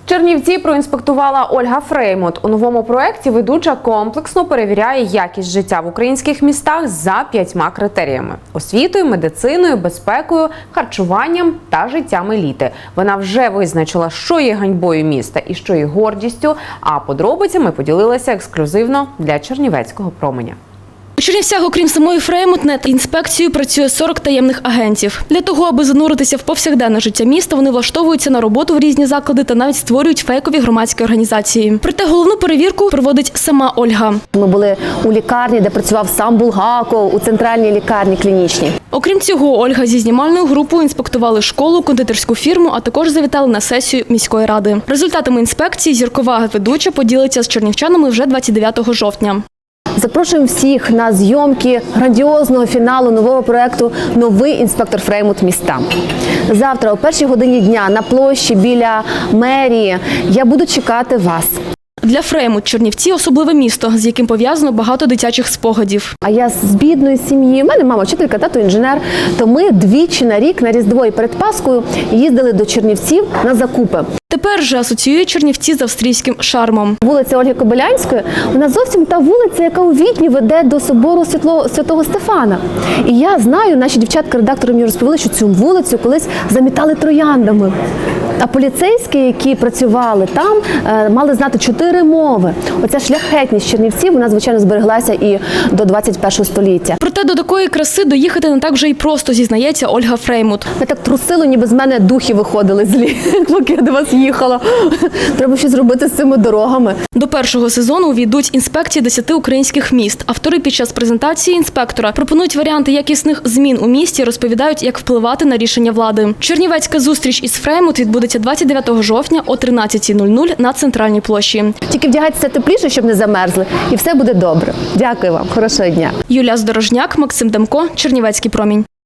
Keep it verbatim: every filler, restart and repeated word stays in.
Чернівці проінспектувала Ольга Фреймут. У новому проєкті ведуча комплексно перевіряє якість життя в українських містах за п'ятьма критеріями – освітою, медициною, безпекою, харчуванням та життям еліти. Вона вже визначила, що є ганьбою міста і що є гордістю, а подробицями поділилася ексклюзивно для Чернівецького променя. У Чернівцях, окрім самої Фреймут, над інспекцією працює сорок таємних агентів. Для того, аби зануритися в повсякденне життя міста, вони влаштовуються на роботу в різні заклади та навіть створюють фейкові громадські організації. Проте головну перевірку проводить сама Ольга. Ми були у лікарні, де працював сам Булгаков, у центральній лікарні клінічній. Окрім цього, Ольга зі знімальною групою інспектували школу, кондитерську фірму, а також завітали на сесію міської ради. Результатами інспекції зіркова ведуча поділиться з чернівчанами вже двадцять дев'ятого жовтня. Запрошуємо всіх на зйомки грандіозного фіналу нового проєкту «Новий інспектор Фреймут міста». Завтра о першій годині дня на площі біля мерії я буду чекати вас. Для Фреймут Чернівці – особливе місто, з яким пов'язано багато дитячих спогадів. А я з бідної сім'ї, у мене мама вчителька, тато інженер, то ми двічі на рік на Різдво і перед Паскою їздили до Чернівців на закупи. Тепер же асоціює Чернівці з австрійським шармом. Вулиця Ольги Кобилянської, вона зовсім та вулиця, яка у Відні веде до собору Святого Стефана. І я знаю, наші дівчатка-редактори мені розповіли, що цю вулицю колись замітали трояндами. А поліцейські, які працювали там, мали знати чотири мови. Оця шляхетність Чернівців, вона, звичайно, збереглася і до двадцять першого століття. Проте до такої краси доїхати не так вже й просто, зізнається Ольга Фреймут. Я так трусило, ніби з мене духи виходили злі, поки я до вас їхала. Треба щось зробити з цими дорогами. До першого сезону увійдуть інспекції десяти українських міст. Автори під час презентації інспектора пропонують варіанти якісних змін у місті, розповідають, як впливати на рішення влади. Чернівецька зустріч із Фреймут відбудеться двадцять дев'ятого жовтня о тринадцятій нуль нуль на центральній площі. Тільки вдягайтеся тепліше, щоб не замерзли, і все буде добре. Дякую вам. Хорошого дня. Юлія Здорожняк, Максим Демко, Чернівецький промінь.